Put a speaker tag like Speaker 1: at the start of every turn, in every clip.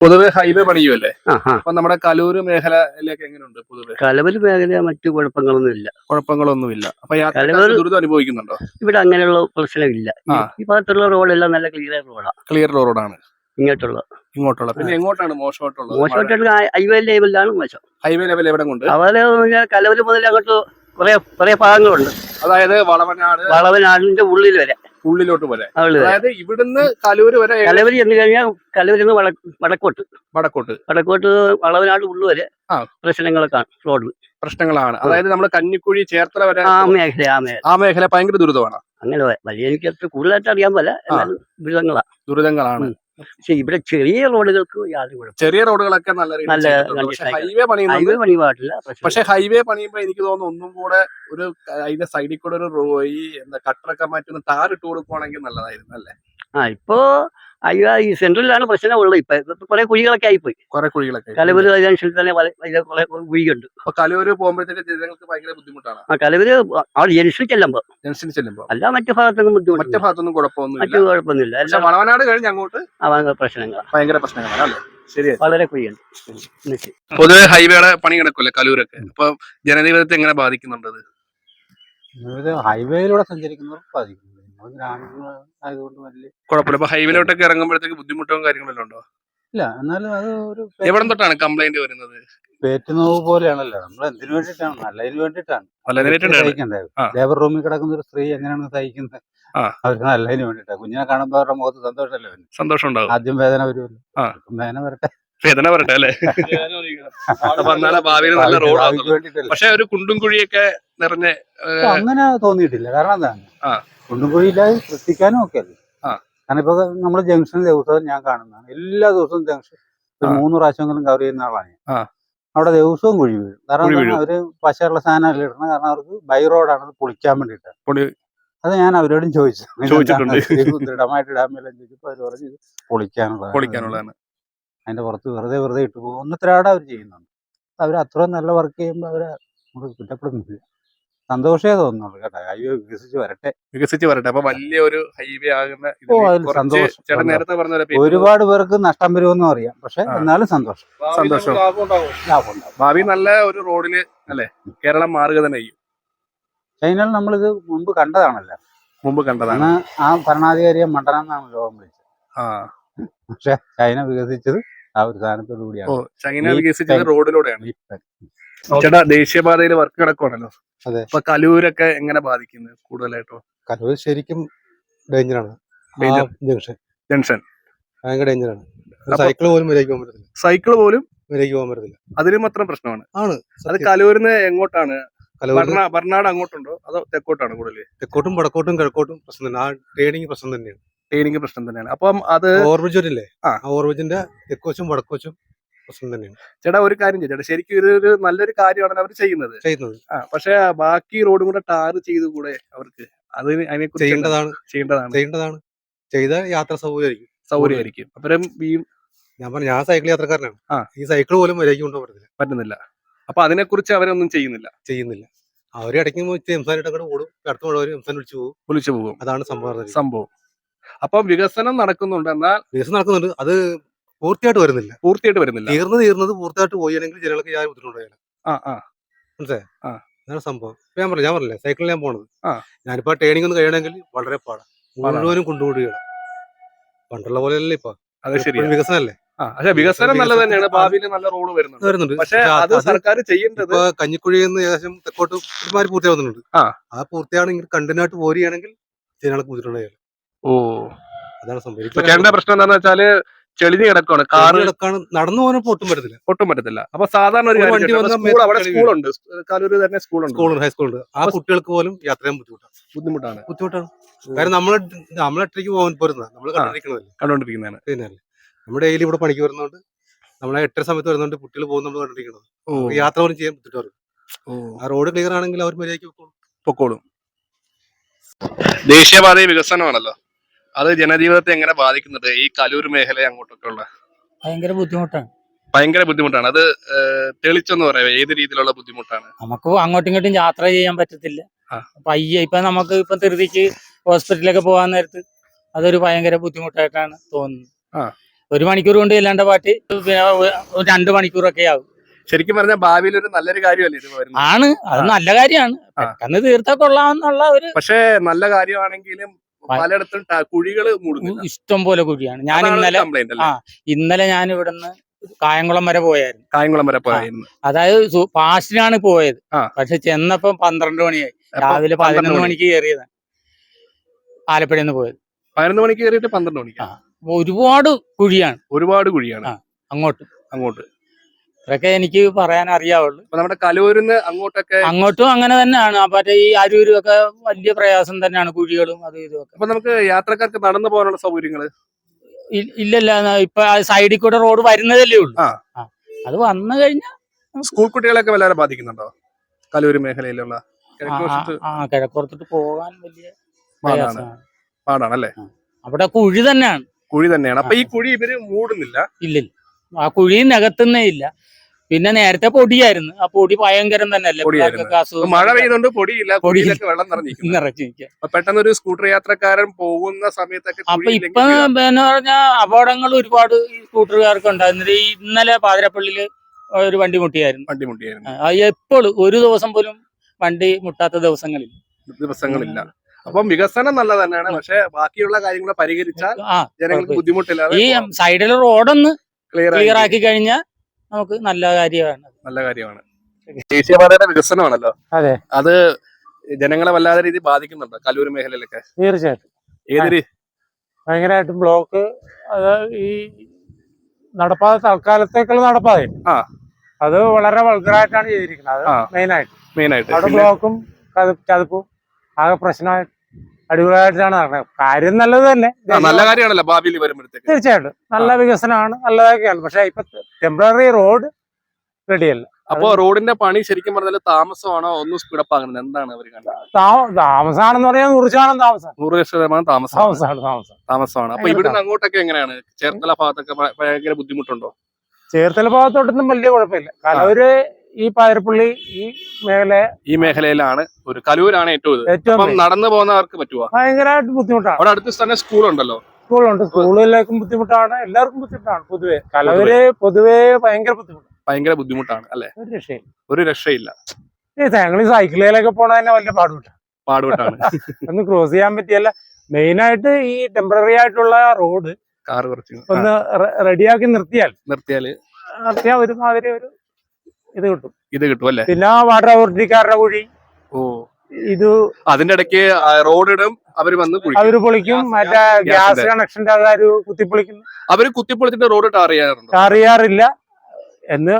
Speaker 1: പൊതുവെ ഹൈവേ പണിയുമല്ലേ? അപ്പൊ നമ്മുടെ കലൂര് മേഖലയിലേക്ക് എങ്ങനെയുണ്ട് പൊതുവെ?
Speaker 2: കലവൂർ മേഖല മറ്റു കുഴപ്പങ്ങളൊന്നുമില്ല.
Speaker 1: കുഴപ്പങ്ങളൊന്നുമില്ല. അപ്പൊ യാത്രക്കാർ ദുരിതം അനുഭവിക്കുന്നുണ്ടോ?
Speaker 2: ഇവിടെ അങ്ങനെയുള്ള പ്രശ്നമില്ല. ഈ ഭാഗത്തുള്ള റോഡെല്ലാം നല്ല ക്ലിയർ റോഡാണ്.
Speaker 1: ക്ലിയർ റോഡാണ്
Speaker 2: ഇങ്ങോട്ടുള്ള.
Speaker 1: പിന്നെ എങ്ങോട്ടാണ് മോശമായിട്ടുള്ളത്?
Speaker 2: മോശമായിട്ടുള്ള ഹൈവേ ലെവലിലാണ് മോശം.
Speaker 1: ഹൈവേ ലെവൽ എവിടെ കൊണ്ട്?
Speaker 2: അതുപോലെ കലവൂർ മുതൽ അങ്ങോട്ട് കുറെ ഭാഗങ്ങളുണ്ട്.
Speaker 1: അതായത്
Speaker 2: വളവനാടിന്റെ ഉള്ളിൽ വരെ,
Speaker 1: ഉള്ളിലോട്ട് വരെ. അതായത് ഇവിടുന്ന് കലൂര് വരെ.
Speaker 2: കലവരി എന്ന് കഴിഞ്ഞാൽ കലവരിൽ നിന്ന് വടക്കോട്ട് വളവനാട് ഉള്ളു വരെ
Speaker 1: പ്രശ്നങ്ങളാണ്. അതായത് നമ്മള് കഞ്ഞിക്കുഴി ചേർത്തല വരെ ആ മേഖല ഭയങ്കര ദുരിതമാണ്.
Speaker 2: അങ്ങനെ വലിയ എനിക്ക് അത്ര കൂടുതലായിട്ട് അറിയാൻ പോലെ
Speaker 1: ദുരിതങ്ങളാണ്.
Speaker 2: പക്ഷെ ഇവിടെ ചെറിയ റോഡുകൾക്ക് യാതൊരു കുഴപ്പം.
Speaker 1: ചെറിയ റോഡുകളൊക്കെ നല്ല ഹൈവേ
Speaker 2: പണിയുന്നില്ല.
Speaker 1: പക്ഷെ ഹൈവേ പണിയുമ്പോ എനിക്ക് തോന്നുന്നു ഒന്നും കൂടെ ഒരു അതിന്റെ സൈഡിൽ കൂടെ ഒരു ഈ കട്ടറൊക്കെ മാറ്റി ഒന്ന് ടാറിട്ട് കൊടുക്കുവാണെങ്കിൽ നല്ലതായിരുന്നു അല്ലേ?
Speaker 2: ഇപ്പോ ഈ സെൻട്രലിലാണ് പ്രശ്നം ഉള്ളത്. ഇപ്പൊ കുറെ കുഴികളൊക്കെ ആയിപ്പോയി. കലവൂര് ജംഗ്ഷനിൽ തന്നെ കുറെ കുഴിയുണ്ട്.
Speaker 1: അപ്പൊ കലൂര് പോകുമ്പോഴത്തേക്ക് ജനങ്ങൾക്ക് ഭയങ്കര ബുദ്ധിമുട്ടാണ്.
Speaker 2: കലവൂര് അവിടെ ജംഗ്ഷനിൽ ചെല്ലുമ്പോ അല്ല മറ്റു ഭാഗത്തൊന്നും ബുദ്ധിമുട്ട്,
Speaker 1: മറ്റു ഭാഗത്തൊന്നും കുഴപ്പമൊന്നുമില്ല. വളവനാട് കഴിഞ്ഞ് അങ്ങോട്ട് ഭയങ്കര പ്രശ്നങ്ങളാണ് അല്ലേ? ശരി,
Speaker 2: വളരെ കുഴിയുണ്ട്.
Speaker 1: പൊതുവെ ഹൈവേയുടെ പണി കിടക്കുമല്ലേ കലൂരൊക്കെ? അപ്പൊ ജനജീവിതത്തെ എങ്ങനെ ബാധിക്കുന്നുണ്ടത്?
Speaker 3: ഹൈവേയിലൂടെ സഞ്ചരിക്കുന്നവർക്ക് ബാധിക്കും. ആയതുകൊണ്ട് വലിയ
Speaker 1: കുഴപ്പമില്ല. അപ്പൊ ഹൈവേയിലോട്ടൊക്കെ ഇറങ്ങുമ്പോഴത്തേക്ക് ബുദ്ധിമുട്ടും കാര്യങ്ങളെല്ലാം ഉണ്ടോ?
Speaker 3: ഇല്ല, എന്നാലും അത് ഒരു
Speaker 1: എവിടെ തൊട്ടാണ് കംപ്ലൈന്റ് വരുന്നത്?
Speaker 3: പേറ്റുനോവ് പോലെയാണല്ലോ. നമ്മൾ എന്തിനു വേണ്ടിയിട്ടാണ്? നല്ലതിന് വേണ്ടിയിട്ടാണ് സഹിക്കേണ്ടത്. ലേബർ റൂമിൽ കിടക്കുന്ന ഒരു സ്ത്രീ എങ്ങനെയാണ് സഹിക്കുന്നത്? അവർക്ക് നല്ലതിന് വേണ്ടിയിട്ടാണ്. കുഞ്ഞിനെ കാണുമ്പോൾ അവരുടെ മുഖത്ത് സന്തോഷമല്ലേ?
Speaker 1: സന്തോഷം ഉണ്ടാവും.
Speaker 3: ആദ്യം വേദന വരുമല്ലോ.
Speaker 1: വേദന വരട്ടെ അല്ലേ? ഭാവിയിൽ നല്ല റോഡ്. പക്ഷെ ഒരു കുണ്ടും കുഴിയൊക്കെ നിറഞ്ഞ
Speaker 3: അങ്ങനെ തോന്നിയിട്ടില്ല. കാരണം എന്താണ്, കുണ്ടും കുഴിയില്ലാതെ സൃഷ്ടിക്കാനും ഒക്കെ അല്ലേ. കാരണം ഇപ്പൊ നമ്മള് ജംഗ്ഷനിൽ ദിവസവും ഞാൻ കാണുന്നതാണ്. എല്ലാ ദിവസവും ജംഗ്ഷൻ 3 പ്രാവശ്യമെങ്കിലും കവർ ചെയ്യുന്ന ആളാണ് ഞാൻ. അവിടെ ദിവസവും കുഴി വീഴും. കാരണം അവര് പശയുള്ള സാധനം ഇടണം. കാരണം അവർക്ക് ബൈ റോഡാണ് പൊളിക്കാൻ വേണ്ടിയിട്ട്. അത് ഞാൻ അവരോടും ചോദിച്ചിട്ടുണ്ട്. ദൃഢമായിട്ട് ഇടാൻ മേലെ ചോദിച്ചപ്പോ അവര് പറഞ്ഞു ഇത് പൊളിക്കാനുള്ളതാണ്. അതിന്റെ പുറത്ത് വെറുതെ ഇട്ട് പോകും. ഒന്നത്തിരാടെ അവർ ചെയ്യുന്നുണ്ട്. അവർ അത്രയും നല്ല വർക്ക് ചെയ്യുമ്പോൾ അവരെ നമുക്ക് കുറ്റപ്പെടുന്നില്ല. സന്തോഷമേ തോന്നുന്നുള്ളൂ കേട്ടോ. ഹൈവേ വികസിച്ച് വരട്ടെ. അപ്പൊ വലിയൊരു ഹൈവേ ആകുന്ന ഒരുപാട് പേർക്ക് നഷ്ടം വരുമെന്നും അറിയാം. പക്ഷെ എന്നാലും സന്തോഷം.
Speaker 1: ഭാവി നല്ല ഒരു റോഡില് അല്ലെ കേരളം മാറുക തന്നെ ചെയ്യും.
Speaker 3: ചൈനയിൽ നമ്മളിത് മുമ്പ് കണ്ടതാണ്. ആ ഭരണാധികാരിയെ മണ്ടനെന്നാണ് ലോകം വിളിച്ചത്. പക്ഷെ ചൈന വികസിച്ചത് ആ ഒരു സാധനത്തോടു കൂടിയാണ്.
Speaker 1: ചൈന വികസിച്ചത് റോഡിലൂടെയാണ്. ചേട്ടാ, ദേശീയപാതയിൽ വർക്ക് കിടക്കുവാണല്ലോ.
Speaker 3: അതെ.
Speaker 1: അപ്പൊ കലൂരൊക്കെ എങ്ങനെ ബാധിക്കുന്നത് കൂടുതലായിട്ടോ?
Speaker 3: കലൂർ ശരിക്കും ഡേഞ്ചറാണ്.
Speaker 1: ജംഗ്ഷൻ
Speaker 3: ഭയങ്കര ഡേഞ്ചറാണ്. സൈക്കിൾ പോലും മര്യാദയ്ക്ക് പോകാൻ പറ്റത്തില്ല.
Speaker 1: അതിനും മാത്രം പ്രശ്നമാണ്. അത് കലൂരിന്ന് എങ്ങോട്ടാണ്? ബർണാട് അങ്ങോട്ടുണ്ടോ അതോ തെക്കോട്ടാണ് കൂടുതൽ?
Speaker 3: തെക്കോട്ടും വടക്കോട്ടും കിഴക്കോട്ടും പ്രശ്നം തന്നെ. ആ ട്രേഡിങ് പ്രശ്നം തന്നെയാണ്. അപ്പം അത് ഓവർബ്രിഡ്ജില്ലേ, ആ ഓവർബ്രിഡ്ജിന്റെ തെക്കോച്ചും വടക്കോച്ചും പ്രശ്നം തന്നെയാണ്.
Speaker 1: ചേട്ടാ, ഒരു കാര്യം ചേട്ടാ, ശരിക്കും ഇതൊരു നല്ലൊരു കാര്യമാണ് അവർ ചെയ്യുന്നത്. പക്ഷെ ബാക്കി റോഡും കൂടെ ടാർ ചെയ്ത് കൂടെ അവർക്ക്? അതിനെ
Speaker 3: ചെയ്യേണ്ടതാണ്. ചെയ്ത യാത്ര
Speaker 1: സൗകര്യമായിരിക്കും. അപ്പുറം
Speaker 3: ഞാൻ സൈക്കിൾ യാത്രക്കാരനാണ്. ഈ സൈക്കിൾ പോലും മര്യാദയ്ക്ക് കൊണ്ടുപോകാൻ
Speaker 1: പറ്റുന്നില്ല. അപ്പൊ അതിനെ കുറിച്ച് അവരൊന്നും ചെയ്യുന്നില്ല.
Speaker 3: അവര് ഇടയ്ക്ക് എംസാനായിട്ട് ഓടും. അടുത്ത മഴ എംസാൻ വിളിച്ചു പോകും. അതാണ് സംഭവം.
Speaker 1: അപ്പൊ വികസനം നടക്കുന്നുണ്ട്.
Speaker 3: അത് പൂർത്തിയായിട്ട് വരുന്നില്ല. തീർന്നത് പൂർത്തിയായിട്ട് പോയാണെങ്കിൽ ജനങ്ങൾക്ക് യാതൊരു ബുദ്ധിമുട്ടുണ്ടായില്ല. മനസ്സിലായി? അതാണ് സംഭവം. ഞാൻ പറഞ്ഞില്ലേ സൈക്കിളിൽ ഞാൻ പോണത്. ഞാനിപ്പോ ട്രെയിനിങ് ഒന്ന് കഴിയണമെങ്കിൽ വളരെ പാടാണ്. മുഴുവനും കൊണ്ടുപോവുകയാണ്. പണ്ടുള്ള പോലെയല്ലേ ഇപ്പൊ. വികസനമല്ലേ?
Speaker 1: വികസനം നല്ലത് തന്നെയാണ്. ഭാവിയിൽ നല്ല റോഡ് വരുന്നുണ്ട്. പക്ഷെ അത് സർക്കാർ ചെയ്യേണ്ടത്.
Speaker 3: കഞ്ഞിക്കുഴിയിൽ നിന്ന് ഏകദേശം തെക്കോട്ട് ഒരുമാതിരി പൂർത്തിയാവുന്നുണ്ട്. ആ പൂർത്തിയാണെങ്കിൽ കണ്ടിന്യൂട്ട് പോരുകയാണെങ്കിൽ ജനങ്ങൾക്ക് ബുദ്ധിമുട്ടുണ്ടായില്ല. അതാണ് സംഭവിക്കുന്നത്.
Speaker 1: പ്രശ്നം എന്താണെന്ന് വെച്ചാല് ചെളിഞ്ഞ് കിടക്കാണ്.
Speaker 3: നടന്നു പോകാൻ ഒട്ടും പറ്റത്തില്ല.
Speaker 1: അപ്പൊ സാധാരണ ഒരു സ്കൂളുണ്ട്, കലൂര് തന്നെ സ്കൂളുണ്ട്,
Speaker 3: ഹൈസ്കൂളുണ്ട്. ആ കുട്ടികൾക്ക് പോലും യാത്ര ചെയ്യാൻ ബുദ്ധിമുട്ടാണ്. കാരണം നമ്മളൊറ്റയ്ക്ക് പോകാൻ പോരുന്ന നമ്മൾ
Speaker 1: കണ്ടോണ്ടിരിക്കുന്നതാണ്.
Speaker 3: പിന്നെ നമ്മുടെ ഡെയിലി ഇവിടെ പണിക്ക് വരുന്നതുകൊണ്ട് നമ്മളെ 8 സമയത്ത് വരുന്നതുകൊണ്ട് കുട്ടികൾ പോകുന്ന നമ്മൾ കണ്ടിരിക്കുന്നത്. യാത്ര പോലും ചെയ്യാൻ ബുദ്ധിമുട്ടാണ്. ആ റോഡ് ക്ലിയർ ആണെങ്കിൽ അവർ മര്യാദയ്ക്ക്
Speaker 1: പൊക്കോളും. ദേശീയപാത വികസനമാണല്ലോ, അത് ജനജീവിതത്തെ എങ്ങനെ ബാധിക്കുന്നുണ്ട്? ഈ കലൂർ മേഖല അങ്ങോട്ടൊക്കെ ഉള്ള ഭയങ്കര ബുദ്ധിമുട്ടാണ്. അത് തെളിച്ചെന്ന് പറയാം. ഏത് രീതിയിലുള്ള ബുദ്ധിമുട്ടാണ്?
Speaker 4: നമുക്ക് അങ്ങോട്ടും ഇങ്ങോട്ടും യാത്ര ചെയ്യാൻ പറ്റത്തില്ല. ഇപ്പൊ നമുക്ക് ഇപ്പൊ ധൃതിക്ക് ഹോസ്പിറ്റലിലൊക്കെ പോകാൻ നേരത്ത് അതൊരു ഭയങ്കര ബുദ്ധിമുട്ടായിട്ടാണ് തോന്നുന്നത്. 1 മണിക്കൂർ കൊണ്ട് ചെല്ലേണ്ട പാട്ട് പിന്നെ 2 മണിക്കൂറൊക്കെ ആവും.
Speaker 1: ശരിക്കും പറഞ്ഞാൽ ഭാവിയിൽ ഒരു നല്ലൊരു കാര്യമല്ലേ ഇത് വരുന്നത്?
Speaker 4: ആണ്, അത് നല്ല കാര്യമാണ്. പെട്ടെന്ന് തീർത്താൽ കൊള്ളാമെന്നുള്ള ഒരു
Speaker 1: പക്ഷേ നല്ല കാര്യമാണെങ്കിലും പലയിടത്തും കുഴികൾ മൂടുന്നില്ല.
Speaker 4: ഇഷ്ടം പോലെ കുഴിയാണ്. ഞാൻ ഇന്നലെ ഞാൻ ഇവിടുന്ന് കായംകുളം വരെ പോയായിരുന്നു. അതായത് പാസ്റ്റിനാണ് പോയത്. പക്ഷെ ചെന്നപ്പോ 12 മണിയായി. രാവിലെ 11 മണിക്ക് കയറിയതാണ് ആലപ്പുഴയിൽ നിന്ന് പോയത്.
Speaker 1: 11 മണിക്ക് കയറിയിട്ട് 12 മണിക്ക്.
Speaker 4: ഒരുപാട് കുഴിയാണ്
Speaker 1: അങ്ങോട്ട്.
Speaker 4: ഇതൊക്കെ എനിക്ക് പറയാൻ അറിയാവുള്ളൂ.
Speaker 1: നമ്മുടെ കലൂരിന്ന്
Speaker 4: അങ്ങോട്ടും അങ്ങനെ തന്നെയാണ്. മറ്റേ ഈ അരൂരും ഒക്കെ വലിയ പ്രയാസം തന്നെയാണ്, കുഴികളും അതും ഇതുമൊക്കെ.
Speaker 1: അപ്പൊ നമുക്ക് യാത്രക്കാർക്ക് നടന്നു പോകാനുള്ള സൗകര്യങ്ങള്
Speaker 4: ഇല്ലല്ല. ഇപ്പൊ സൈഡിൽ കൂടെ റോഡ് വരുന്നതല്ലേ ഉള്ളൂ. അത് വന്നു കഴിഞ്ഞാൽ
Speaker 1: സ്കൂൾ കുട്ടികളൊക്കെ വല്ലാതെ ബാധിക്കുന്നുണ്ടോ കലൂര് മേഖലയിലുള്ള?
Speaker 4: കിഴക്കോർത്തിട്ട് പോകാൻ വലിയ
Speaker 1: പാടാണല്ലേ?
Speaker 4: അവിടെ കുഴി തന്നെയാണ്.
Speaker 1: അപ്പൊ ഈ കുഴി ഇവര് മൂടുന്നില്ല?
Speaker 4: ഇല്ല, ആ കുഴി നികത്തുന്നേ ഇല്ല. പിന്നെ നേരത്തെ പൊടിയായിരുന്നു. ആ പൊടി ഭയങ്കരം തന്നെയല്ലേ.
Speaker 1: മഴ പെയ്യുന്നുണ്ട്, പൊടിയില്ല, പൊടിയിലൊക്കെ വെള്ളം നിറഞ്ഞിരിക്കും. പെട്ടെന്ന് ഒരു സ്കൂട്ടർ യാത്രക്കാരൻ പോകുന്ന സമയത്തൊക്കെ
Speaker 4: അപ്പൊ ഇപ്പൊ എന്ന് പറഞ്ഞാൽ അപകടങ്ങൾ ഒരുപാട് ഈ സ്കൂട്ടറുകാർക്ക് ഉണ്ടായിരുന്നത്. ഇന്നലെ പാതിരപ്പള്ളിയില് ഒരു വണ്ടി മുട്ടിയായിരുന്നു. എപ്പോഴും ഒരു ദിവസം പോലും വണ്ടി മുട്ടാത്ത ദിവസങ്ങളില്ല.
Speaker 1: അപ്പം വികസനം നല്ല തന്നെയാണ്. പക്ഷെ ബാക്കിയുള്ള കാര്യങ്ങൾ പരിഹരിച്ചാൽ ജനങ്ങൾക്ക് ബുദ്ധിമുട്ടില്ലാതെ
Speaker 4: ഈ സൈഡിലെ റോഡൊന്ന് ക്ലിയർ ആക്കി കഴിഞ്ഞാൽ നമുക്ക് നല്ല കാര്യമാണ്.
Speaker 1: ദേശീയപാതയുടെ വികസനമാണല്ലോ.
Speaker 3: അതെ,
Speaker 1: അത് ജനങ്ങളെ വല്ലാതെ രീതി ബാധിക്കുന്നുണ്ടോ കലൂർ മേഖലയിലൊക്കെ?
Speaker 3: തീർച്ചയായിട്ടും.
Speaker 1: ഏതൊരു
Speaker 3: ഭയങ്കരമായിട്ടും ബ്ലോക്ക്. അത് ഈ നടപ്പാത തൽക്കാലത്തേക്കുള്ള നടപ്പാത അത് വളരെ വൾഗറായിട്ടാണ് ചെയ്തിരിക്കുന്നത്. അത് മെയിനായിട്ട് അവിടെ ബ്ലോക്കും ചതുപ്പും ആകെ പ്രശ്നമായിട്ട് അടിപൊളിയായിട്ടാണ് നടക്കുന്നത്. കാര്യം നല്ലത് തന്നെ,
Speaker 1: നല്ല കാര്യമാണല്ലോ ഭാവിയിൽ വരുമ്പോഴത്തേക്ക്.
Speaker 3: തീർച്ചയായിട്ടും നല്ല വികസനമാണ്, നല്ലതൊക്കെയാണ്. പക്ഷെ ഇപ്പൊ ടെമ്പററി റോഡ് റെഡിയല്ല.
Speaker 1: അപ്പൊ റോഡിന്റെ പണി ശരിക്കും പറഞ്ഞാൽ താമസമാണോ ഒന്നും സ്പീഡപ്പ് ആകുന്നത്? എന്താണ് അവർ കണ്ടത്?
Speaker 3: താമസമാണെന്ന് പറയാൻ 100%
Speaker 1: 100% താമസമാണ്. അപ്പൊ ഇവിടുന്ന് അങ്ങോട്ടൊക്കെ എങ്ങനെയാണ്? ചേർത്തല ഭാഗത്തൊക്കെ ഭയങ്കര ബുദ്ധിമുട്ടുണ്ടോ?
Speaker 3: ചേർത്തല ഭാഗത്തോട്ടൊന്നും വലിയ കുഴപ്പമില്ല. കലൂര് ഈ പാതിരപ്പള്ളി ഈ
Speaker 1: മേഖലയിലാണ് ഒരു കലൂരാണ് ഏറ്റവും നടന്നു പോകുന്നവർക്ക് പറ്റുമോ?
Speaker 3: ഭയങ്കരമായിട്ട് ബുദ്ധിമുട്ടാണ്.
Speaker 1: അവിടെ അടുത്ത് തന്നെ സ്കൂളുണ്ടല്ലോ.
Speaker 3: സ്കൂളിലേക്കും ബുദ്ധിമുട്ടാണ്, എല്ലാവർക്കും ബുദ്ധിമുട്ടാണ്. കലൂര് പൊതുവെ ഭയങ്കര ബുദ്ധിമുട്ടാണ്
Speaker 1: അല്ലെ? ഒരു രക്ഷയില്ല.
Speaker 3: ഞങ്ങൾ സൈക്കിളിലൊക്കെ പോണ തന്നെ വലിയ പാടുപെട്ടാണ്. ഒന്ന് ക്രോസ് ചെയ്യാൻ പറ്റിയല്ല. മെയിനായിട്ട് ഈ ടെമ്പററി ആയിട്ടുള്ള റോഡ്
Speaker 1: കാർ കുറച്ച്
Speaker 3: ഒന്ന് റെഡിയാക്കി നിർത്തിയാൽ ഒരുമാതിരി ഒരു ഇത് കിട്ടും അല്ലേ? പിന്നെ വാട്ടർ അതോറിറ്റിക്കാരുടെ കുഴി
Speaker 1: അതിന്റെ ഇടയ്ക്ക് റോഡിടും, അവര്
Speaker 3: പൊളിക്കും. മറ്റേ ഗ്യാസ് കണക്ഷന്റെ ആൾക്കാർ കുത്തിപ്പൊളിക്കുന്നു.
Speaker 1: അവര് കുത്തിപ്പൊളിച്ചിട്ട് റോഡ് ടാർ
Speaker 3: ചെയ്യാറില്ല എന്ന്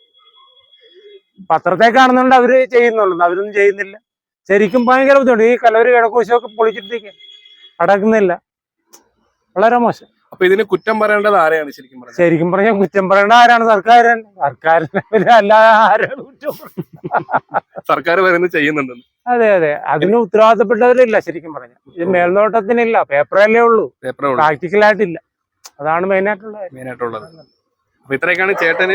Speaker 3: പത്രത്തെ കാണുന്നുണ്ട്. അവര് ചെയ്യുന്നുള്ളൂ, അവരൊന്നും ചെയ്യുന്നില്ല. ശരിക്കും ഭയങ്കര ബുദ്ധിമുട്ട്. ഈ കലൂര് കിഴക്കോശമൊക്കെ പൊളിച്ചിട്ടേക്ക് അടക്കുന്നില്ല. വളരെ മോശം.
Speaker 1: അപ്പൊ ഇതിന് കുറ്റം പറയേണ്ടത് ആരെയാണ്?
Speaker 3: ശരിക്കും പറഞ്ഞാൽ കുറ്റം പറയേണ്ട ആരാണ്? സർക്കാരിനെ അല്ലാതെ ആരാണ് കുറ്റം?
Speaker 1: സർക്കാർ വരുന്നത് ചെയ്യുന്നുണ്ട്.
Speaker 3: അതെ, അതിന് ഉത്തരവാദിത്തപ്പെട്ടവരില്ല. ശരിക്കും പറഞ്ഞാൽ ഇത് മേൽനോട്ടത്തിനില്ല, പേപ്പറല്ലേ ഉള്ളൂ, പ്രാക്ടിക്കലായിട്ടില്ല. അതാണ് മെയിനായിട്ടുള്ളത്.
Speaker 1: അപ്പൊ ഇത്രയൊക്കെയാണ് ചേട്ടന്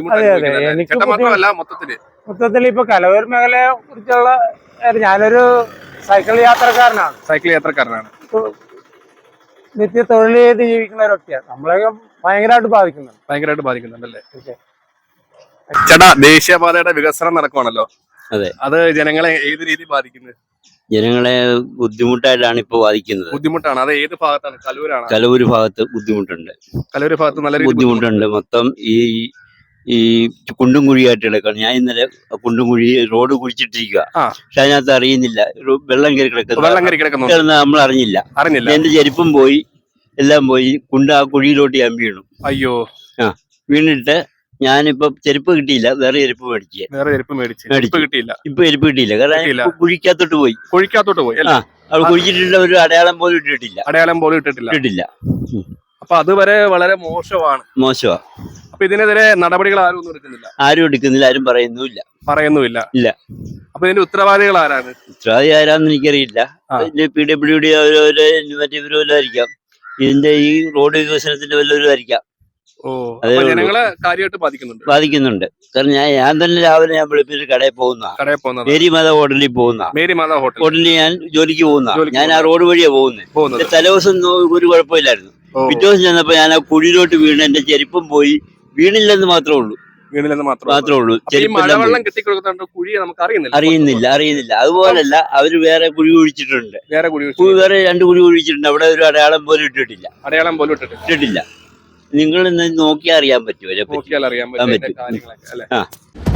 Speaker 3: മൊത്തത്തിൽ ഇപ്പൊ കലവൂർ മേഖലയെ കുറിച്ചുള്ള ഞാനൊരു സൈക്കിൾ യാത്രക്കാരനാണ്. നിത്യ തൊഴിൽ ചെയ്ത് ജീവിക്കുന്ന ഒരു വ്യക്തിയാണ്. നമ്മളെയൊക്കെ ഭയങ്കരമായിട്ട്
Speaker 1: ബാധിക്കുന്നുണ്ടല്ലേ? ചേട്ടാ, ദേശീയപാതയുടെ വികസനം നടക്കുവാണല്ലോ.
Speaker 2: അതെ,
Speaker 1: അത് ജനങ്ങളെ ഏത് രീതി ബാധിക്കുന്നത്?
Speaker 2: ജനങ്ങളെ ബുദ്ധിമുട്ടായിട്ടാണ് ഇപ്പൊ ബാധിക്കുന്നത്.
Speaker 1: ബുദ്ധിമുട്ടാണ്. അത് ഏത് ഭാഗത്താണ്?
Speaker 2: കലൂര് ഭാഗത്ത് ബുദ്ധിമുട്ടുണ്ട്.
Speaker 1: കലൂര് ഭാഗത്ത് നല്ല
Speaker 2: ബുദ്ധിമുട്ടുണ്ട്. മൊത്തം ഈ കുണ്ടും കുഴിയായിട്ട് കിടക്കണം. ഞാൻ ഇന്നലെ കുണ്ടും കുഴി റോഡ് കുഴിച്ചിട്ടിരിക്കുക. പക്ഷെ അതിനകത്ത് അറിയുന്നില്ല, വെള്ളം കയറി കിടക്കുന്നു. നമ്മൾ അറിഞ്ഞില്ല. എന്റെ ചെരുപ്പും പോയി, എല്ലാം പോയി. ആ കുഴിയിലോട്ട് ഞാൻ വീണു.
Speaker 1: അയ്യോ.
Speaker 2: വീണിട്ട് ഞാനിപ്പോ ചെരുപ്പ് കിട്ടിയില്ല, വേറെ ചെരുപ്പ് മേടിച്ചു. ഇപ്പൊ ചെരുപ്പ് കിട്ടിയില്ല, കാരണം കുഴിക്കകത്തോട്ട് പോയി. അത് കുഴിച്ചിട്ടുള്ള ഒരു അടയാളം പോലും ഇട്ടിട്ടില്ല.
Speaker 1: അപ്പൊ അതുവരെ വളരെ മോശമാണ്. അപ്പൊ ഇതിനെതിരെ നടപടികൾ ആരും എടുക്കുന്നില്ല, ആരും പറയുന്നുമില്ല. ഇല്ല. അപ്പൊ ഇതിന്റെ ഉത്തരവാദികൾ ആരാണ്?
Speaker 2: ആരാന്ന് എനിക്കറിയില്ല. PWD മറ്റേ ഇവരുമായിരിക്കാം. ഇതിന്റെ ഈ റോഡ് വികസനത്തിന്റെ വല്ലവരുമായിരിക്കാം.
Speaker 1: ജനങ്ങളെ കാര്യമായിട്ട്
Speaker 2: ബാധിക്കുന്നുണ്ട്. കാരണം ഞാൻ തന്നെ രാവിലെ ഞാൻ വെളുപ്പിന് കടയിൽ പോകുന്ന മേരി മാതാ ഹോട്ടലിൽ ഹോട്ടലിൽ ഞാൻ ജോലിക്ക് പോകുന്ന. ഞാൻ ആ റോഡ് വഴിയാ പോകുന്നത്. തലേദിവസം ഒരു കുഴപ്പമില്ലായിരുന്നു. പിറ്റേ ദിവസം ചെന്നപ്പോ ഞാൻ ആ കുഴിയിലോട്ട് വീണ് എന്റെ ചെരുപ്പും പോയി. വീണില്ലെന്ന് മാത്രമേ ഉള്ളൂ.
Speaker 1: മഴവെള്ളം കെട്ടിക്കൊടുക്കുന്നുണ്ട് കുഴി നമുക്ക്
Speaker 2: അറിയുന്നില്ല. അതുപോലല്ല, അവര് വേറെ കുഴി കുഴിച്ചിട്ടുണ്ട്. വേറെ 2 കുഴി കുഴിച്ചിട്ടുണ്ട്. അവിടെ ഒരു അടയാളം പോലും ഇട്ടിട്ടില്ല. നിങ്ങൾ നോക്കിയാൽ അറിയാൻ പറ്റുമോ?
Speaker 1: നോക്കിയാൽ അറിയാൻ പറ്റും.